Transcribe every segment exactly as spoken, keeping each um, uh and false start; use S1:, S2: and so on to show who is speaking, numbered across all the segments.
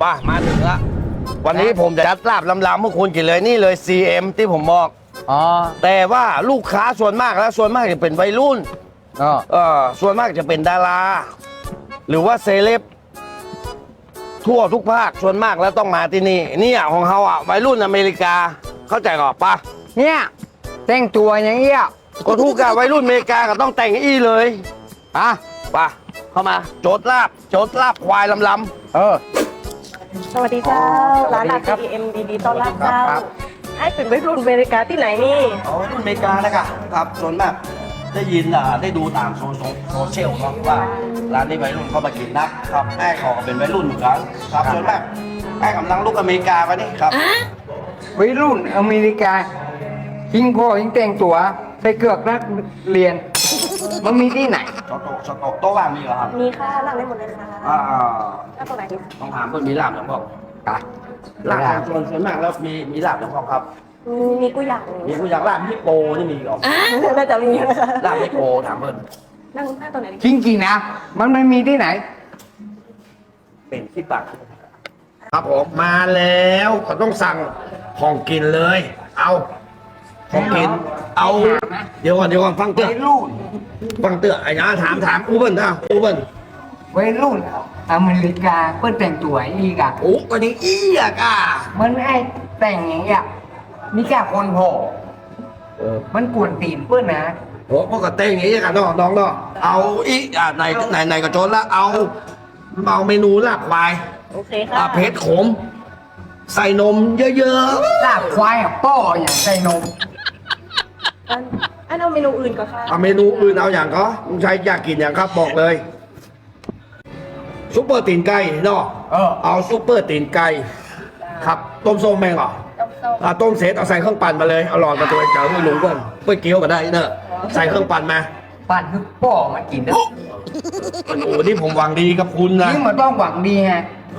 S1: ป่ะมาถึงละวันนี้ผมจะจัดลาบลำๆพวกคุณกินเลยนี่เลย ซี เอ็ม ที่ผมบอก
S2: อ๋อ
S1: แต่ว่าลูกค้าส่วนมากแล้วส่วนมากจะเป็นวัยรุ่น
S2: อ๋อ
S1: เออส่วนมากจะเป็นดาราหรือว่าเซเลบทั่วทุกภาคส่วนมากแล้วต้องมาที่นี่เนี่ยของเขาอ่ะวัยรุ่นอเมริกาเข้าใจก่อนปะ
S2: เนี่ยแต่งตัวอย่างเงี้ย
S1: ก็ทุกการวัยรุ่นอเมริกาก็ต้องแต่งอี้เลย
S2: อ่ะ
S1: ปะเข้ามาโจทย์ลาบโจทย์ลาบควายลำๆ
S2: เออ
S3: สวัสดีเจ้าร้านอาหาร ซี เอ็ม ดีๆต้อนรับเจ้าให้เป็นวัยรุ่นอเมริกาที่ไหนนี่
S1: อ๋อวัยรุ่นอเมริกานะครับครับส่วนมากได้ยินอ่าได้ดูตามโซโซเชียลเนาะว่าร้านนี้วัยรุ่นเข้ามากินนักครับแม่ขอเป็นวัยรุ่นเหมือนกันครับส่วนมากแม่กำลังลูกอเมริกาไปนี่ครับ
S2: วัยรุ่นอเมริกายิงพ่อยิงแต่งตัวใส่เกือกนักเรียนมันมีที่ไหน
S1: สโต๊ะสโต๊ะโต๊ะว่างมีเหรอครับ
S3: มีค่ะนั่งได้หมดเลยค่ะ
S1: อ่า
S3: นั่งตรงไหนดี
S1: ต้องถามเพื่อนมีลาบอย่างพ่อ
S2: อ่ะ
S1: ลาบส่วนส่วนมากแล้วมีมีลาบอย่างพ่อครับ
S3: มีกูอยาก
S1: มีกูอยากลาบฮิปโปนี่มีเหรอ
S3: น่าจะมีนะคะ
S1: ลาบฮิปโปถามเพื่อน
S3: นั่งนั่งตรงไหนดี
S2: จริงๆนะมันไม่มีที่ไหน
S1: เป็นที่ปักครับผมมาแล้วเขาต้องสั่งของกินเลยเอาของกินเอาเดี๋ยวก่อนเดี๋ยวก่อนฟังเตือน
S2: วัยรุ่น
S1: ฟังเตือนไอ้นะถามถามอูเบิลนะอูเบิล
S2: วัยรุ่นอเมริกาเพื่อแต่งตัวอีกอะ
S1: โอ้ก็ยังอีอะก้า
S2: มันไอ้แต่งอย่างเงี้ยมีแค่คนโผล่มันกวนตีนเพื่อนนะ
S1: โอ้พวกกระเต้งอย่างนี้กันน้องน้องเนาะเอาอีอ่ะไหนไหนไหนกระโจนละเอาเอาเมนูลาบควาย
S3: โอเคค่ะ
S1: เผ็ดขมใส่นมเยอะ
S2: ๆลาบควายอะป้ออย่างใส่นม
S3: อันอันเอาเมนูอื่นก่อนค่ะ
S1: เอาเมนูอื่นเอาอย่างก็ลุงชัยอยากกินอย่างครับบอกเลยซุปเปอร์ตีนไก่เนาะ
S2: เออ
S1: เอาซุปเปอร์ตีนไก่ครับต้มส้มแมงเหรออ่าต้มเสร็จเอาใส่เครื่องปั่นมาเลยเอาหลอดมาตัวเจ้าให้ลุงก่อนเพื่อเกี๊ยวมาได้เนอะใส่เครื่องปั่นมา
S2: ปั่นคือป้อมากินนะ
S1: โอ้โหนี่ผมหวังดีกับคุณนะ
S2: นี่มันต้องหวังดีไง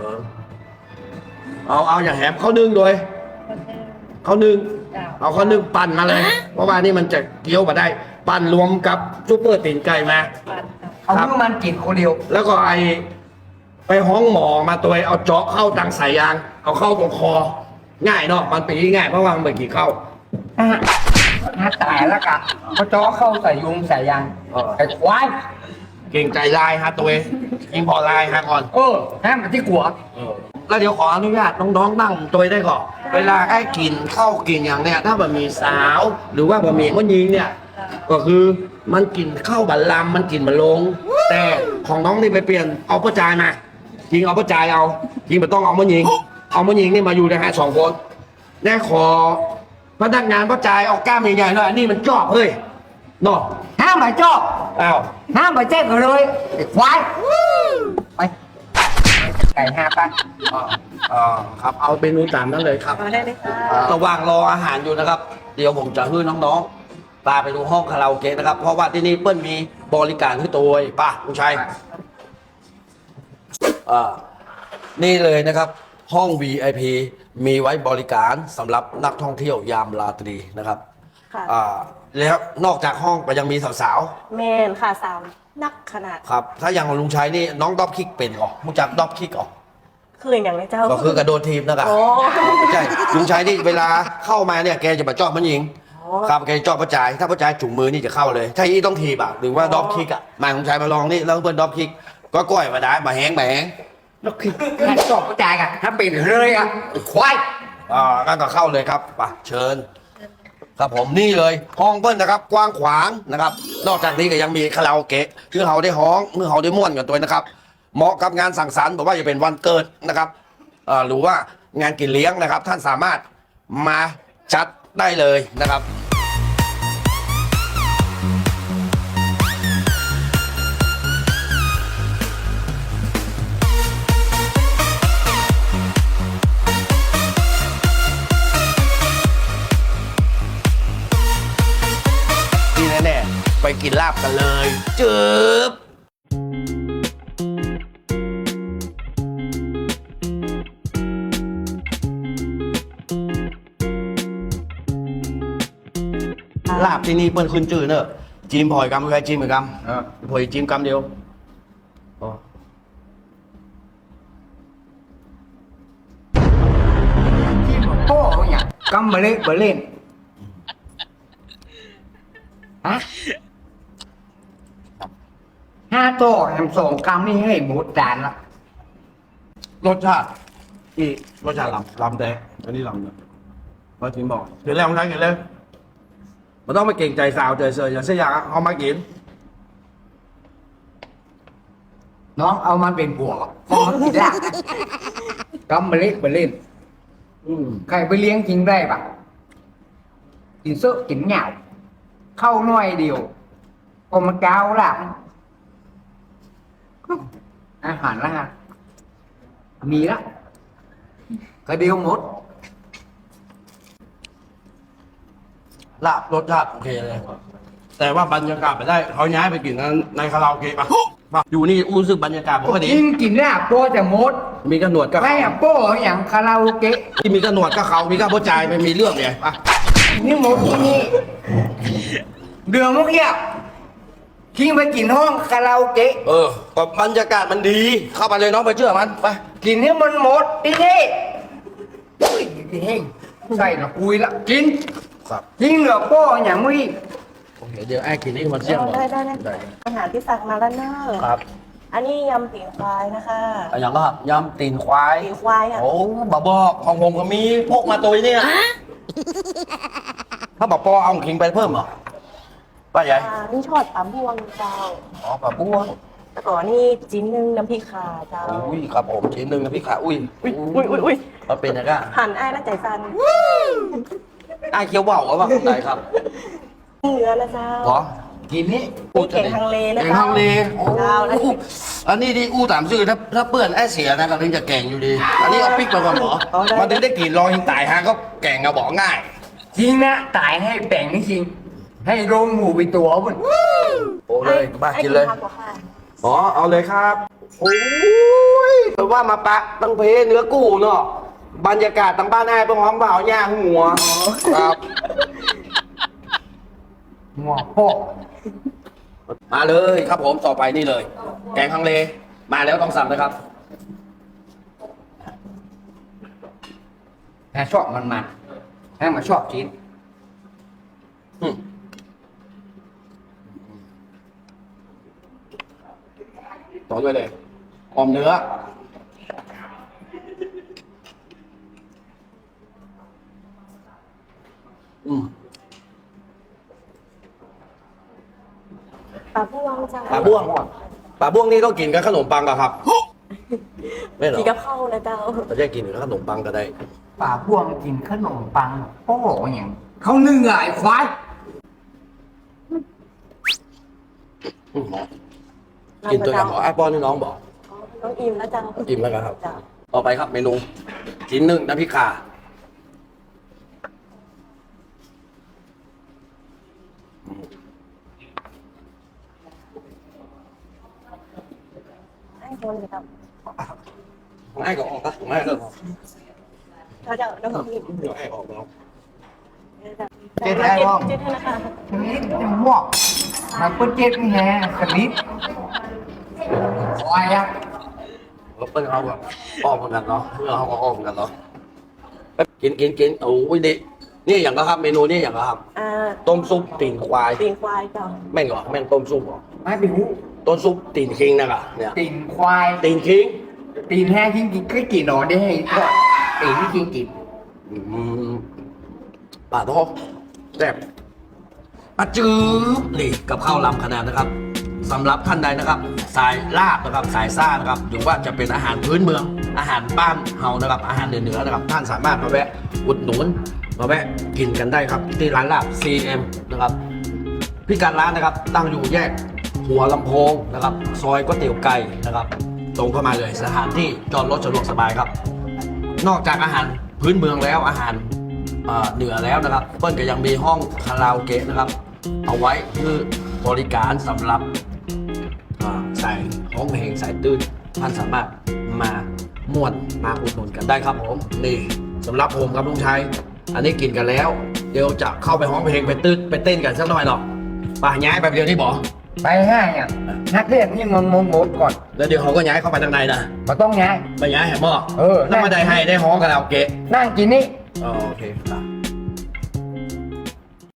S1: เอาเอาอย่างแหมข้าวนึ่งโดยข้าวนึ่งเอาข้าวนึ่งปั่นมาเลยเพราะว่านี่มันจะเกี๊ยวมาได้ปั่นรวมกับซุปเปอร์ตีนไก่มา
S2: เอาเมื่อมันกินคนเดียว
S1: แล้วก็ไอไปห้องหมอมาตัวเอาเจาะเข้าตังสายยางเอาเข้าตรงคอง่ายเนาะมันปีง่ายเพราะว่ามันไม่กี่เข้า
S2: น่าตายแล้วกะเขาเจาะเข้าใส่ยุงใส่ยางไอ้ควาย
S1: เก่งใจลายฮะตัวเองยิงพอลายฮะก่อน
S2: เออแฮมที่กัว
S1: แล้วเดี๋ยวขออนุญาตน้องๆนั่งตัวได้ก่อนเวลาไอ้กินข้าวกินอย่างเนี้ยถ้าบะหมี่สาวหรือว่าบะหมี่มันยิงเนี่ยก็คือมันกินข้าวบัลลัมมันกินบัลลงแต่ของน้องนี่ไปเปลี่ยนเอาประจายมายิงเอาประจายเอายิงไม่ต้องเอามันยิงเอามันยิงนี่มาอยู่ในฮะสองคนแน่ขอพนักงานประจายเอากล้ามใหญ่ๆหน่อยอันนี้มันจอบเฮ้ยเนาะ
S2: ห้ามไปจอบ
S1: อ้าว
S2: ห้ามไปแจ้งกันเลยไอ้ควายไปไก่ห้าป่ะ
S1: อ่าครับเอาเป็นนูตามนั้นเลยครับ
S3: มาได้เลยค่ะ
S1: ระหว่างรออาหารอยู่นะครับเดี๋ยวผมจะให้น้องๆพาไปดูห้องคาราโอเกะนะครับเพราะว่าที่นี่เปิ้ลมีบริการให้ตัวป่ะลุงชัยอ่านี่เลยนะครับห้อง วี ไอ พี มีไว้บริการสำหรับนักท่องเที่ยวยามราตรีนะครับอ่าแล้วนอกจากห้องก็ยังมีสาว
S3: ๆแมนค่ะสาวนักขนาด
S1: ครับถ้าอย่างลุงชัยนี่น้องดอบคิกเป็นเหรอรู้จักดอบคิกเหรอ
S3: คืออย่างไรเจ้า
S1: ก็คือกระโดดทีมนะครับใช่ลุงชัยนี่เวลาเข้ามาเนี่ยแกจะมาจ่อมันยิงครับแกจ่อประจายถ้าประจายจุ่มมือนี่จะเข้าเลยถ้าอีต้องทีบอ่ะหรือว่าดอบคิกอ่ะมาลุงชัยมาลองนี่แล้วเพื่อนดอบคิกก็ก้อยมาได้มาแห้งมาแห้ง
S2: นกขี้แค่จอบกระจายกันถ้าเป็นเลยอ่ะควาย
S1: อ่างั้นก็เข้าเลยครับป่ะเชิญครับผมนี่เลยห้องเปิ้ลนะครับกว้างขวางนะครับนอกจากนี้ก็ยังมีคาราโอเกะคือเขาได้ห้องคือเขาได้ม่วนกันตัวนะครับเหมาะกับงานสังสรรค์บอกว่าจะเป็นวันเกิดนะครับอ่าหรือว่างานกินเลี้ยงนะครับท่านสามารถมาจัดได้เลยนะครับแน่ๆไปกินลาบกันเลยจืบลาบที่นี่เปิ้ลขึ้นจืดเนอะจีมพอยกำใครจีมเหมือนกันพอยจีมกำเดียว
S2: กำมาเล่นมาเล่นฮะห้าโต๊ะแฮมสองกำนี่ให้หมดจานละ
S1: รสชาติอีรสชาติลำลำแต่อันนี้ลำเนี่ยมาถึงบอกเห็นแล้วมันทั้งเห็นเลยมันต้องไปเก่งใจสาวใจเสยอย่างเสียอย่างเอามากิน
S2: น้องเอามันเป็นบวกพอมันกินได้กำมาเล่นมาเล่น
S1: อืม
S2: ใครไปเลี้ยงจริงได้ปะกินเสื้อกินเหงาเข้าหน่อยเดียวพอมันก้าวหลับอาหารละฮะมีละก็เดียวหมด
S1: ลาบรสชาติโอเคเลย แต่ว่าบรรยากาศไปได้เขาย้ายไปกินในคาราโอเกะปะอยู่นี่อู้รู้สึกบรรยากาศปกติ
S2: กินกินลาบโปจะหมด
S1: มีกระหนวดก็
S2: ไม่อะโป้อย่างคาราโอเกะ
S1: ที่มีกระหนวดก็เขามีกระโปจ่ายไม่มีเรื่องเนี่ยปะ
S2: นี่หมดที่นี่เดือดมุกเยี่ยทิ้งไปกินห้องคาราโอเกะ
S1: เออก็บรรยากาศมันดี เข้าไปเลยน้องไปเชื่อมันไป
S2: กินให้มันหมดที่นี่อุ้ยเฮ้ยใส่ละคุยละกิน
S1: ครับ
S2: ทิ้งเหลือโป้อย่างมุ้ย
S1: โอเคเดี๋ยวไอ้กินนี่มันเสี่ยงก่อน
S3: ได้ได้ได้อาหารที่สั่งมาแล้วเนอะ
S1: ครับ
S3: อันนี้ยำตีนควายนะคะ
S1: เอาอย่างก็ยำตีนควาย
S3: ตีนควายอ่ะ
S1: โอ้บาบอกของผมก็มีพกมาตัวนี้นะถ้าบอกปอเอาขิงไปเพิ่มเหรอป้าใหญ่
S3: อ่านี่ชอดปลาบวงเจ้า
S1: อ๋อปลาบ้วง
S3: แล้วก็นี่จิ้นหนึ่งน้ำพริกขาเจ้า
S1: อุ้ยครับผมชิ้นหนึ่งนะพี่ขาอุ้ย
S3: อุ้ยอุ้ยอุ้ยอุ้ย
S1: มันเป็นยังไง
S3: หั่นอ้ายน่าใจสั่น
S1: ไอ้เคี้ยวว่าวว่าคนไหนครับ
S3: เนื้อนะเจ้า
S1: เหรอ
S2: กินนี่
S3: มีเก่งทางเลนะ
S1: เก่ง
S3: เจ้า
S1: ทางเล
S3: เจ้าแล้ว
S1: โอ้อันนี้ที่อู้ตามชื่อถ้าถ้าเปื้อนไอ้เสียนะก็ถึงจะแก่งอยู่ดี อันนี้เอาพริกมาก่อนเหรอมันถึงได้กลิ่นรอหิงตายฮะก็แก่งอะบอกง่าย
S2: จริงนะตายให้แบ่งนี่จริง ให้โรงหมูไปตัวมัน
S1: โอ้เลยบ้ากินเลย
S3: ไอ้ผักกว่าค่ะ
S1: อ๋อเอาเลยครับโอ้ยแปลว่ามาปะตั้งเพเนื้อกู้เนาะบรรยากาศตั้งบ้านนายเป็นห้องเปล่าย่างหัวครับ
S2: หัวโป้
S1: มาเลยครับผมต่อไปนี่เลย แกงฮังเลมาแล้วต้องสั่งนะครับ
S2: ถ้าชอบมันมันถ้ามาชอบกิน
S1: อืมต่อด้วยเลยออมเนื้ออืม
S3: ปลาบวงเจ้า
S1: ปลาบ้วงปลาบ้วงนี่ต้องกินกับขนมปังกับครับ ไม่เหรอ
S3: กินกับข้าวนะเจ้า
S1: เราจะกินกับขนมปังก็ได้
S2: ป่าพวงกินขนมปังโป้อย่างเขานึ่งไงควาย
S1: อืมกินตัวอย่างหมอไอ้ป้อนนี่น้องบอก
S3: อ๋อน้องอิ่มแล้วเจ้า
S1: อิ่มแล้วครับ
S3: เจ้า
S1: ต่อไปครับเมนูชิ้นหนึ่งน้ำพริกข่า
S3: ให้คนเลยครับ
S1: ง่ายก็ออกนะง่ายก็ออก
S3: เราจะน้องอิ่ม
S1: เดี๋ยวให้ออกแล้ว
S2: เจ็ดได้บ้าง
S3: เจ็ดให้นะคะ
S2: สลิดจะหมอกมันก็เจ็ดนี่แฮะสลิดควายอะ
S1: แล้วเปิ้ลเขาแบบออกเหมือนกันเนาะเพื่อนเขาก็ออกเหมือนกันเนาะกินกินกินโอ้ยดินี่อย่างก็ครับเมนูนี่อย่างก็ครับ
S3: อ่า
S1: ต้มซุปตีนควาย
S3: ตีนควายเจ้า
S1: แม่งเหรอแม่งต้มซุปเหรอ
S2: ไม่เป็นหู
S1: ต้มซุปตีนคิงนะครับเนี่ย
S2: ตีนควาย
S1: ตีนคิง
S2: ตีนแห้งกินกินก็กินหนอได้ให้ทอดตีนที่กินกิน
S1: อืมป่าทองแซ่บอาจืบนี่กับข้าวลำขนาดนะครับสำหรับท่านใดนะครับ สายลาบนะครับสายซ่านะครับหรือว่าจะเป็นอาหารพื้นเมือง อาหารบ้านเฮานะครับ อาหารเหนือๆนะครับ ท่านสามารถมาแวะอุดหนุนมาแวะกินกันได้ครับ ที่ร้านลาบ ซี เอ็ม นะครับพิกัดร้านนะครับ ตั้งอยู่แยกหัวลำโพงนะครับ ซอยก๋วยเตี๋ยวไก่นะครับ ตรงเข้ามาเลยสถานที่จอดรถสะดวกสบายครับ นอกจากอาหารพื้นเมืองแล้วอาหารเอ่อเหนือแล้วนะครับเปิ้ลก็ยังมีห้องคาราโอเกะนะครับ เอาไว้เพื่อบริการสำหรับอ่าสายห้องเพลงสายตื้นท่านสามารถมาม่วนมาอุดหนุนกันได้ครับผมนี่สำหรับผมครับลุงชัยอันนี้กินกันแล้ว เดี๋ยวจะเข้าไปห้องเพลงไปตื้นไปเต้นกันสักหน่อยหรอกป่ะย้ายไปเดียวที่บอก
S2: ไปง่ายอ่ะนักเรียนนี่มันมงมดก่อน
S1: แล้วเดี๋ยวเขาก็ย้ายเข้าไปทางในนะ
S2: มาต้องย้าย
S1: ไปย้ายแหมหม้อ
S2: เออ
S1: แล้วมาได้ให้ได้ห้องคาราโอเกะ
S2: นั่งกินนี่
S1: อ๋อโอเคครับ